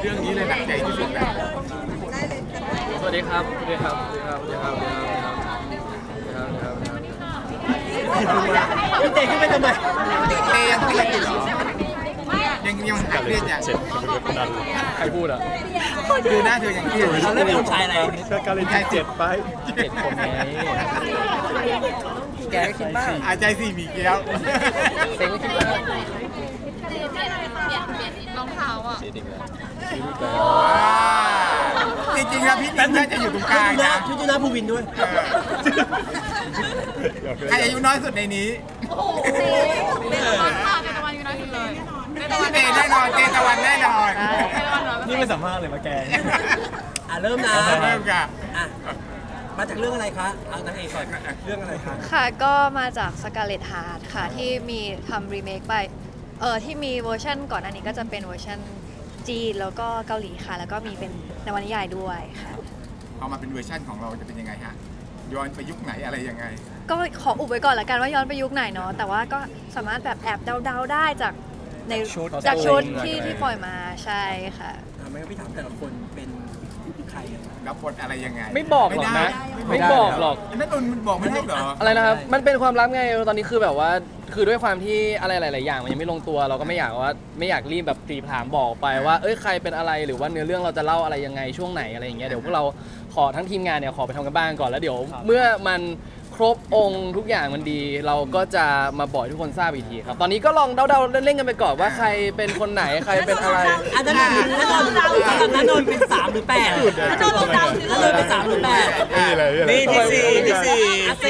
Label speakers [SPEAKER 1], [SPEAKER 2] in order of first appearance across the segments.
[SPEAKER 1] เรื่องนี้เลยหนักใจที่สุดนะ
[SPEAKER 2] สวัสดีครับ สวัสดีครับ สวัสดีครับ สวัสดีครับ สวัสดีครับ
[SPEAKER 3] พี่เจขึ้นไปทำไม
[SPEAKER 1] เตยังเครียดอยู่เหรอยังหายเครียดอย่าง
[SPEAKER 2] ใครพูดอ่ะ
[SPEAKER 1] ดูหน้าเธอยังเครียด
[SPEAKER 3] เราเล่นเป็นคนชายอะไร
[SPEAKER 4] ก็การเล่นที่7ไป
[SPEAKER 2] เจ็ดคนไง
[SPEAKER 3] แกก็คิดบ้าง
[SPEAKER 1] อาใจสี่หมีเกี้ยว
[SPEAKER 2] เซ็งก็คิดว่า
[SPEAKER 5] รองเท้าอ่ะ
[SPEAKER 1] จริงๆแล้วพี่ติ๊กน่าจะอยู่ตรงกลางนะ
[SPEAKER 3] ช่วยดูหน้าภูวินด้วย
[SPEAKER 1] ใครอายุน้อยสุดในนี้
[SPEAKER 5] เตตะวันค่ะเตตะวันอยู่นะที่เลยเตตะวัน
[SPEAKER 1] เตแน่นอนเตตะวันแน่นอน
[SPEAKER 5] เตตะวันเหรอ
[SPEAKER 4] นี่ไม่สัมภาษณ์เลยมาแกง
[SPEAKER 3] เริ่มนะ
[SPEAKER 1] เริ่มกัน
[SPEAKER 3] อ่ะมาจากเรื่องอะไรคะเอานางเอกก่อนเรื่องอะไรคะ
[SPEAKER 6] ค่ะก็มาจาก Scarlet Heart ค่ะที่มีทำรีเมคไปที่มีเวอร์ชันก่อนอันนี้ก็จะเป็นเวอร์ชันจีนแล้วก็เกาหลีค่ะ แล้วก็มีเป็นนวนิยายด้วยค่ะ
[SPEAKER 1] เอามาเป็นเวอร์ชั่นของเราจะเป็นยังไงฮะย้อนไปยุคไหนอะไรยังไง
[SPEAKER 6] ก็ขออุบไว้ก่อนละกันว่าย้อนไปยุคไหนเนาะแต่ว่าก็สามารถแบบแอบเดาๆได้จากในจากชุดที่ปล่อยมาใช่ค่ะ
[SPEAKER 3] ไม่งั้นพี่ถามแต่ละคนเป็นใครกัน
[SPEAKER 1] รับบทอะไรยังไง
[SPEAKER 2] ไม่บอกหรอกนะ ไม่บอกหรอก
[SPEAKER 1] ไม่ตุนบอกไม่ได้เหรอ
[SPEAKER 2] อะไรนะครับ มันเป็นความลับไง ตอนนี้คือแบบว่า คือด้วยความที่อะไรหลาย ๆ อย่างมันยังไม่ลงตัว เราก็ไม่อยากรีบแบบตีผามบอกไปว่า เอ้ย ใครเป็นอะไร หรือว่าเนื้อเรื่องเราจะเล่าอะไรยังไงช่วงไหนอะไรอย่างเงี้ย เดี๋ยวพวกเราขอทั้งทีมงานเนี่ยขอไปทำกันบ้านก่อน แล้วเดี๋ยวเมื่อมันครบองค์ทุกอย่างมันดี เราก็จะมาบอกให้ทุกคนทราบอีกทีครับ ตอนนี้ก็ลองเดาๆเล่นๆกันไปก่อนว่าใครเป็นคนไหน ใครเป็นอะไร
[SPEAKER 3] อันนั้นนันนนเป็น3หรือ8นันนนเป็น3หรือ8
[SPEAKER 4] นี่เลย
[SPEAKER 3] นี่ที่สี่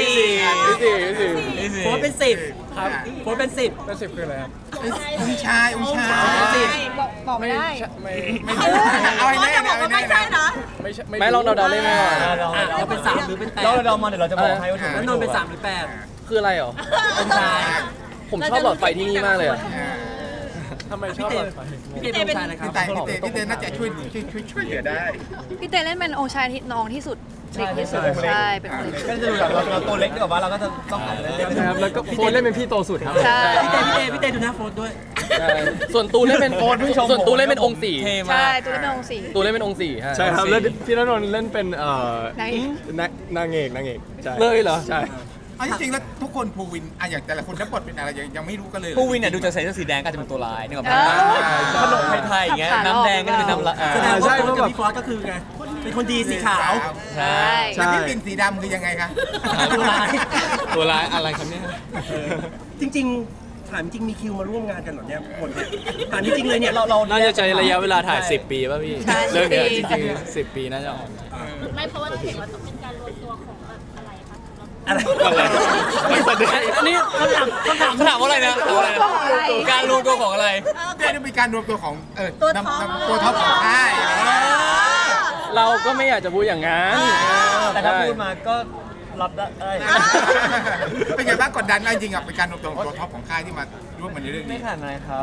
[SPEAKER 3] โค้ดเป็น10
[SPEAKER 2] ครับ
[SPEAKER 3] โค้ดเป็น10
[SPEAKER 2] เป็น10คืออะไรครับ
[SPEAKER 1] องค์ชาย
[SPEAKER 6] บอกไม่ได้
[SPEAKER 1] เอาให้แน่เอาให้แน่นะ
[SPEAKER 2] ไม่ลองเดาๆเล่นไปก่อน
[SPEAKER 3] เราเป็น3หรือเป็น8
[SPEAKER 4] เรามาเดี๋ยวเราจะบอกให้ว่าถูก
[SPEAKER 3] นันนนเป็น3หรือ
[SPEAKER 2] คืออะไรหรอ
[SPEAKER 3] 8องชาย
[SPEAKER 2] ผมชอบหลอดไฟที่นี่มากเลยอะ
[SPEAKER 3] ทำไมชอบพี่เต้เป็นองชายนะครับ
[SPEAKER 1] พี่เต้น่าจะช่วยเหลือได้
[SPEAKER 6] พี่เต้เล่นเป็นองค์ชายที่น้องที่สุดเด็กที่สุดใช่เป็นคนเล็ก
[SPEAKER 4] ก็จะดูแบบเราตัวเล็กดีกว่าเราก็จะต้องเล่นนะครับแล้วก็โฟนเล่นเป็นพี่โตสุดครับ
[SPEAKER 6] ใช่
[SPEAKER 3] พี่เต้ดูหน้าโฟนด้วย
[SPEAKER 2] ส่วนตูเล่นเป็นส่วนตูเล่นเป็นองค์สี่
[SPEAKER 6] ใช่ตัวเล่นเป็นองค์สี
[SPEAKER 2] ตูเล่นเป็นองค์สี่ฮะ
[SPEAKER 4] ใช่ครับแล้วพี่ณนนท์เล่นเป็น
[SPEAKER 6] นางเอก
[SPEAKER 4] นางเอกใช่
[SPEAKER 2] เลยเหรอ
[SPEAKER 4] ใช่
[SPEAKER 1] เอาจริงๆแล้วทุกคนภูวินอะอย่างแต่ละคนรับบทเป็นอะไรยังไม่รู้กันเลย
[SPEAKER 7] ผู้วินเนี่ยดูจะใส่เสื้อสีแดงก็อาจจะเป็นตัวร้ายนึกออกไหม
[SPEAKER 6] เออ
[SPEAKER 7] ขนมไทยๆอย่างเงี้ยน้ำแดงก็จะเป็นน้ำละ
[SPEAKER 3] แสดงว่าโฟนกับพี่ฟอสก็คือไง เป็นคนดีสีขาว
[SPEAKER 6] ใช่
[SPEAKER 1] แล้วพี่ปิ่นสีดำคือยังไงคะ
[SPEAKER 3] ตัวร้าย
[SPEAKER 7] ตัวร้ายอะไรครับเนี่ย
[SPEAKER 3] จริงๆถามจริงมีคิวมาร่วมงานกันเหรอเนี่ยหมดเลยถามจริงๆเลยเนี่ยเรา
[SPEAKER 7] น่าจะใช้ระยะเวลาถ่าย10 ปีป่ะพี่
[SPEAKER 6] ใช่
[SPEAKER 7] เรื่องเนี้ย
[SPEAKER 6] 10
[SPEAKER 7] จริงๆ10 ปีน่าจะออก
[SPEAKER 5] ไม่เพราะว่าเราเห็นว่าต้องเป็นการรวมตัวของแบบอะไรคะ
[SPEAKER 3] อะไร
[SPEAKER 7] อันนี้คำถามว่าอะไรนะการรวมตัวของอะไร
[SPEAKER 1] ได้มีการรวมตัวของตัวท็อปของค่าย
[SPEAKER 2] เราก็ไม่อยากจะพูดอย่างนั้น
[SPEAKER 4] แต่ถ้าพูดมาก็รับได้
[SPEAKER 1] เป็นไงบ้างกดดันไหมจริงๆเป็นการรวมตัวของตัวท็อปของค่ายที่มาร่วมกันในเรื่อง
[SPEAKER 7] ไม่
[SPEAKER 1] นี้
[SPEAKER 7] ขนาดไหนครับ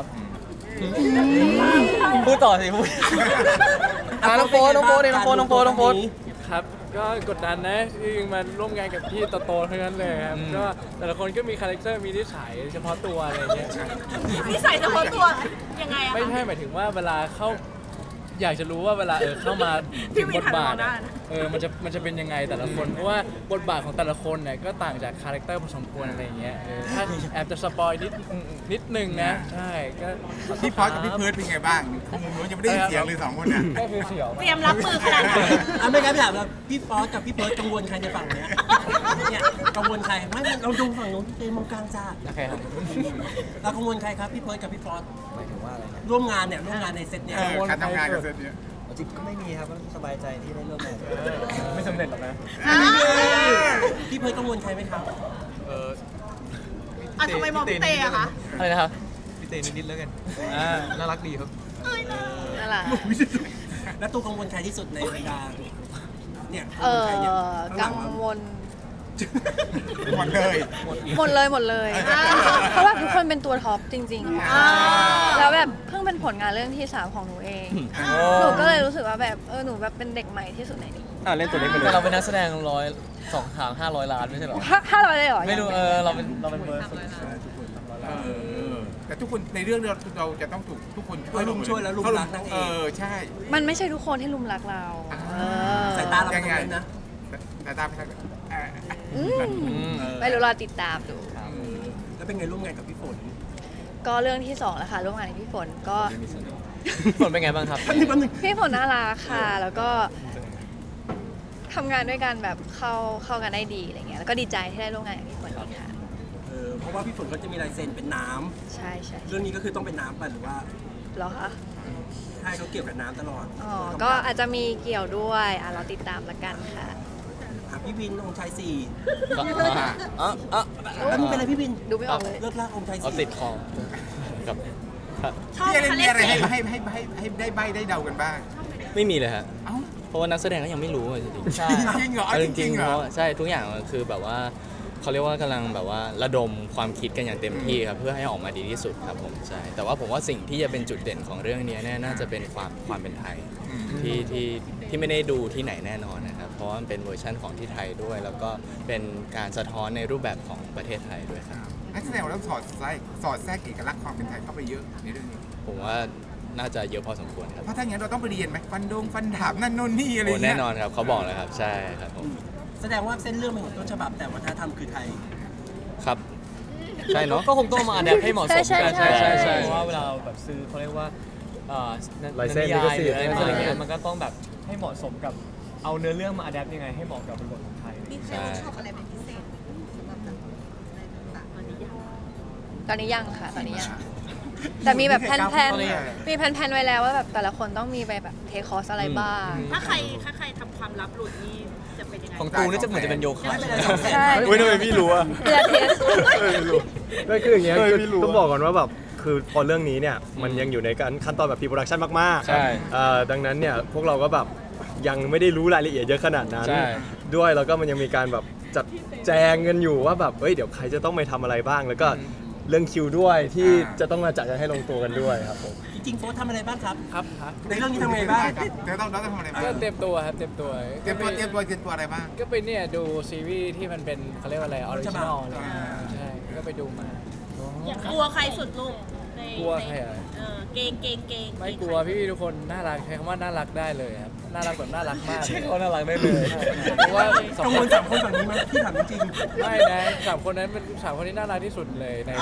[SPEAKER 7] พูดต่อสิพูด
[SPEAKER 2] น้องโฟน
[SPEAKER 8] ครับก็กดดันนะจริงๆมาร่วมงานกับพี่โตๆทั้งนั้นเลยครับก็แต่ละคนก็มีคาแรคเตอร์มีนิสัยเฉพาะตัวอะไรอย่างเงี้ย
[SPEAKER 5] นิสัยเฉพาะตัวยังไงอะ
[SPEAKER 8] ไม่ใช่หมายถึงว่าเวลาเข้าอยากจะรู้ว่าเวลาเข้ามาถึงบทบาทอะมันจะเป็นยังไงแต่ละคนเพราะว่าบทบาทของแต่ละคนเนี่ยก็ต่างจากคาแรคเตอร์พอสมควรอะไรอย่างเงี้ยถ้าแอบจะสปอยนิดนึงนะใช่ก็
[SPEAKER 1] พี่พอสกับพี่เพิร์ดเป็นไงบ้างมุมนู้นยังไม่ได้ยินเสียงเลย2 คนน่ะ
[SPEAKER 8] ก็คือเสียว
[SPEAKER 5] เตรียมรับมือขนาดไหน
[SPEAKER 3] ไม่งั้นถามว่าพี่ฟอสกับพี่เพิร์ดกังวลใครในฝั่งเนี้ยเนี่ยกังวลใครไม่เราดูฝั่งนู้นพี่เต้มองกลางจ้า
[SPEAKER 7] โอเคครับ
[SPEAKER 3] เรากังวลใครครับพี่เพิร์ดกับพี่ฟอส
[SPEAKER 7] หมายถึงว่าอะไรนะ
[SPEAKER 3] ร่วมงานในเซตเนี่ย
[SPEAKER 1] การทำงานกับเซตเนี้ย
[SPEAKER 7] จริงก็ไม่มีครับก็สบายใจที่ได้ร่วมงาน
[SPEAKER 4] ไม่สำเร็จหรอกนะ
[SPEAKER 3] พี่เพิร์ดกังวลใครไหมครับ
[SPEAKER 5] ทำไมมองพี่เตอะคะ
[SPEAKER 7] อะไรนะครับ
[SPEAKER 4] พี่เต้นิดๆแล้วกันน่ารักดีครับ
[SPEAKER 6] นั่นแหละ
[SPEAKER 3] แล้วตัวกังวลใครที่สุดในบรรดาเนี่ย
[SPEAKER 6] กังวล
[SPEAKER 1] หมดเลย
[SPEAKER 6] หมดเลยเพราะว่าทุกคนเป็นตัวท็อปจริงๆค่ะแล้วแบบเพิ่งเป็นผลงานเรื่องที่ 3ของหนูเองหนูก็เลยรู้สึกว่าแบบหนูแบบเป็นเด็กใหม่ที่สุดในนี้
[SPEAKER 2] เล่นตัวเล็กไปเล
[SPEAKER 7] แต่
[SPEAKER 2] ย
[SPEAKER 7] เราเป็นนักแสดง2 ทาง500 ล้านไม่ใช่เหรอ
[SPEAKER 6] 500เลยเหรอ
[SPEAKER 7] ไม่รู้เราเป็นเบอร์สุด
[SPEAKER 1] แแต่ทุกคนในเรื่องเราจะต้องถูกทุกคน
[SPEAKER 3] ลุมช่วยแล้วลุมรักนางเอก
[SPEAKER 1] ใช่
[SPEAKER 6] มันไม่ใช่ทุกคนที่ลุมรักเราเออ
[SPEAKER 3] สายตาเราเป็นยังไงนะ
[SPEAKER 1] แต่ตามไปทาง
[SPEAKER 6] อืมไม่รู้รอติดตามดู
[SPEAKER 3] แล้วเป็นไงร่วมงานกับพี่ฝน
[SPEAKER 6] ก็เรื่องที่2แล้วค่ะร่วมงานกับพี่ฝนก็
[SPEAKER 7] ฝนเป็นไงบ้างครับ
[SPEAKER 3] แป๊บนึง
[SPEAKER 6] พี่ฝนน่ารักค่ะ แล้วก็ทำงานด้วยกันแบบเข้ากันได้ดีอะไรเงี้ยแล้วก็ดีใจที่ได้ร่วมงานกับพี่ฝนอีกค่ะ
[SPEAKER 3] เพราะว่าพี่ฝนก็จะมีลายเซ็นเป็นน้
[SPEAKER 6] ใช่ใช่
[SPEAKER 3] ำเรื่องนี้ก็คือต้องเป็นน้ำป่ะหรือว่า
[SPEAKER 6] เหรอคะ
[SPEAKER 3] ใช่เขาเกี่ยวกับน้ำตลอด
[SPEAKER 6] อ๋อก็อาจจะมีเกี่ยวด้วยเราติดตามละกันค่ะ
[SPEAKER 3] พี่วินองค์ชายสี่
[SPEAKER 7] อ๋อ
[SPEAKER 3] แล้วมึงเป็นอะไรพี่วิน
[SPEAKER 6] ดูไม่ออกเลย
[SPEAKER 3] เลิกลากองค์ชาย
[SPEAKER 7] เอา
[SPEAKER 3] สี่
[SPEAKER 7] ติดคอกับครับ
[SPEAKER 1] พี่อะไรมีอะไรให้ได้ใบได้เดากันบ้าง
[SPEAKER 7] ไม่มีเลยฮะ
[SPEAKER 1] เอ้า
[SPEAKER 7] เพราะว่านักแสดงก็ยังไม่รู้อะจริงๆใช่
[SPEAKER 1] จริงเหรอ
[SPEAKER 7] เอาจ
[SPEAKER 1] จริ
[SPEAKER 7] ริง
[SPEAKER 1] ง
[SPEAKER 7] ๆ
[SPEAKER 1] เหรอ
[SPEAKER 7] เพราะใช่ทุกอย่างมันคือแบบว่าเขาเรียกว่ากำลังแบบว่าระดมความคิดกันอย่างเต็มที่ครับเพื่อให้ออกมาดีที่สุดครับผมใช่แต่ว่าผมว่าสิ่งที่จะเป็นจุดเด่นของเรื่องนี้เนี่ยน่าจะเป็นความเป็นไทยที่ไม่ได้ดูที่ไหนแน่นอนนะครับเพราะว่ามันเป็นเวอร์ชั่นของที่ไทยด้วย แล้วก็เป็นการสะท้อนในรูปแบบของประเทศไทยด้วยครับ
[SPEAKER 1] นักแสดงเราต้องสอดแทรกเอกลักษณ์ความเป็นไทยเข้าไปเยอะในเรื่องนี้
[SPEAKER 7] ผมว่าน่าจะเยอะพอสมควรครับ
[SPEAKER 1] เพราะถ้าอย่างนั้นเราต้องไปเรียนไหมฟันดาบนั่นโน่นนี่อะไร
[SPEAKER 7] โอ้
[SPEAKER 1] อย่างเงี้
[SPEAKER 7] แน่
[SPEAKER 1] ย
[SPEAKER 7] นอนครับเขาบอกเลยครับใช่ครับผม
[SPEAKER 3] แสดงว่าเส้นเรื่องเป็นของต้นฉบับแต่วัฒนธรรมคือไทย
[SPEAKER 7] ครับใช่เนาะ
[SPEAKER 9] ก็คงต้องมาอัดแอปให้เหมาะสม
[SPEAKER 6] ใช่
[SPEAKER 9] กัน
[SPEAKER 6] ใช่ใช่
[SPEAKER 9] เพราะว่าเวลาเราแบบซื้อเขาเรียกว่า
[SPEAKER 4] ลายเซ็น
[SPEAKER 9] นิยายหรือ
[SPEAKER 4] ลิ
[SPEAKER 9] อะไร
[SPEAKER 4] ขสิทธิ์
[SPEAKER 9] อะไรเงี้ยมันก็ต้องแบบให้เหมาะสมกับเอาเนื้อเรื่องมาอัดแอปยังไงให้เหมาะกับบริบทของไทย
[SPEAKER 5] มีใครชอบอะไรเป็นพิเศษสำหรับแบบอะไรต่างๆตอนนี้ยัง
[SPEAKER 6] ตอนนี้ยังค่ะ ตอนนี้ยัง แต่มีแบบแพลนๆมีแพลนๆไว้แล้วว่าแบบแต่ละคนต้องมีไปแบบเทคอร์สอะไรบ้าง
[SPEAKER 5] ถ้าใครทำความลับหลุดนี่จะเป็นยังไง
[SPEAKER 7] ของตูนี่จะเหมือนจะเป็นโยคะ
[SPEAKER 6] ใช่
[SPEAKER 4] เฮ้ยทำไมพี่รู้อะ
[SPEAKER 6] เพื่อเทส
[SPEAKER 4] ก็คืออย่างเงี้ยคือต้องบอกก่อนว่าแบบคือพอเรื่องนี้เนี่ยมันยังอยู่ในการขั้นตอนแบบพรีโปรดักชันมาก
[SPEAKER 2] ใช่
[SPEAKER 4] ดังนั้นเนี่ยพวกเราก็แบบยังไม่ได้รู้รายละเอียดเยอะขนาดนั้น
[SPEAKER 2] ใช่
[SPEAKER 4] ด้วยแล้วก็มันยังมีการแบบจัดแจงกันอยู่ว่าแบบเดี๋ยวใครจะต้องไปทำอะไรบ้าง แล้วก็เรื่องคิวด้วยที่จะต้องมาจัดกันให้ลงตัวกันด้วยครับผม
[SPEAKER 3] จริงๆโฟร์ทำอะไรบ้างครับ
[SPEAKER 8] ครับ
[SPEAKER 3] ในเรื่องนี้ทำไงบ้าง
[SPEAKER 1] เดี๋ยวต้องทำอะไรบ้าง
[SPEAKER 8] ก็เตรียมตัวครับเตรียมตัว
[SPEAKER 1] เตรียมตัวอะไรบ้าง
[SPEAKER 8] ก็ไปเนี่ยดูซีรีส์ที่มันเป็นเขาเรียกว่าอะไรออริจินอลใช่ก็ไปดูมา
[SPEAKER 5] กลัวใครสุดลูกใน
[SPEAKER 8] กลัวใครอ่ะ
[SPEAKER 5] เกง
[SPEAKER 8] ไม่กลัวพี่ๆทุกคนน่ารักใช้คำว่าน่ารักได้เลยครับน่ารักแบบน่ารักมาก
[SPEAKER 7] ใช่เขาน่ารักได้เลย
[SPEAKER 8] เพราะว่าสอง
[SPEAKER 3] กัง
[SPEAKER 8] คว
[SPEAKER 3] ล
[SPEAKER 8] น
[SPEAKER 3] สามคนฝั่งนี้ไหมพี่ถามจริง
[SPEAKER 8] ไม่นะสามคนนั้นเป็นสามคนที่น่ารักที่สุดเลยใน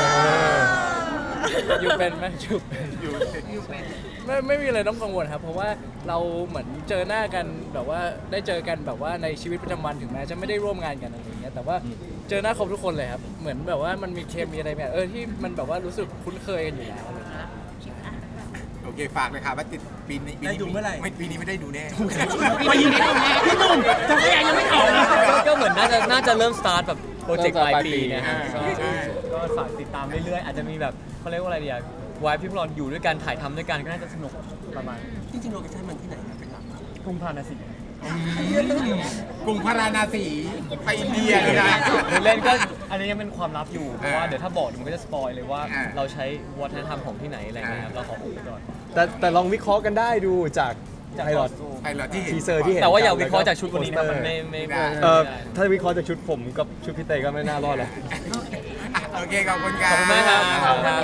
[SPEAKER 8] อยู่เป็นไหมอยู่เป็นไม่มีอะไรต้องกังวลครับ เพราะว่าเราเหมือนเจอหน้ากันแบบว่าได้เจอกันแบบว่าในชีวิตประจำวันถึงแม้จะไม่ได้ร่วมงานกันอะไรอย่างเงี้ยแต่ว่าเจอหน้าครบทุกคนเลยครับเหมือนแบบว่ามันมีเคมีอะไรแบบที่มันแบบว่ารู้สึกคุ้นเคยกันอยู่แล้วอะไรอย่างเงี้ย
[SPEAKER 1] โอเคฝากเลยค่ะว่าติดปีนี้ไม่ปีนี้ไม่ได้ดูแน่
[SPEAKER 3] ๆมายิงพี่หนุ่มจะพยายามยังไม่ออกนะ
[SPEAKER 9] ก็เหมือนน่าจะเริ่มสตาร์ทแบบโปรเจกต์ปลายปีนะฮะ
[SPEAKER 1] ใช่ใช่
[SPEAKER 9] ก็ฝากติดตามเรื่อยๆอาจจะมีแบบเขาเรียกว่าอะไรดีอะวายพี่พวกเราอยู่ด้วยกันถ่ายทำด้วยกันก็น่าจะสนุกประมาณ
[SPEAKER 3] จริงๆโลเคชั่นมันที่ไหนนะเป็นหลัก
[SPEAKER 9] กรุงพาราณสี
[SPEAKER 1] กรุงพาราณสีไปอินเดียเลยนะ
[SPEAKER 9] เล่นก็อันนี้ยังเป็นความลับอยู่เพราะว่า
[SPEAKER 1] อ่า
[SPEAKER 9] เดี๋ยวถ้าบอกมันก็จะสปอยเลยว่า
[SPEAKER 1] อ่า
[SPEAKER 9] เราใช้วัฒนธรรมของที่ไหนอะไรเงี้ยครับเราขออุบไปก่อน
[SPEAKER 4] แต่ลองวิเคราะห์กันได้ดูจากไพลอต
[SPEAKER 1] ใครเหรอที่เห็น
[SPEAKER 4] ทีเซอร์ที่เห็น
[SPEAKER 9] แต่ว่าอย่าวิเคราะห์จากชุดวันนี้นะมันไม่
[SPEAKER 1] ไม่
[SPEAKER 9] ได้
[SPEAKER 4] ถ้าวิเคราะห์จากชุดผมกับชุดพี่เต้ก็ไม่น่ารอดหรอก
[SPEAKER 1] โอเคขอบคุณครั
[SPEAKER 9] ขอบคุณมากครับ
[SPEAKER 1] บ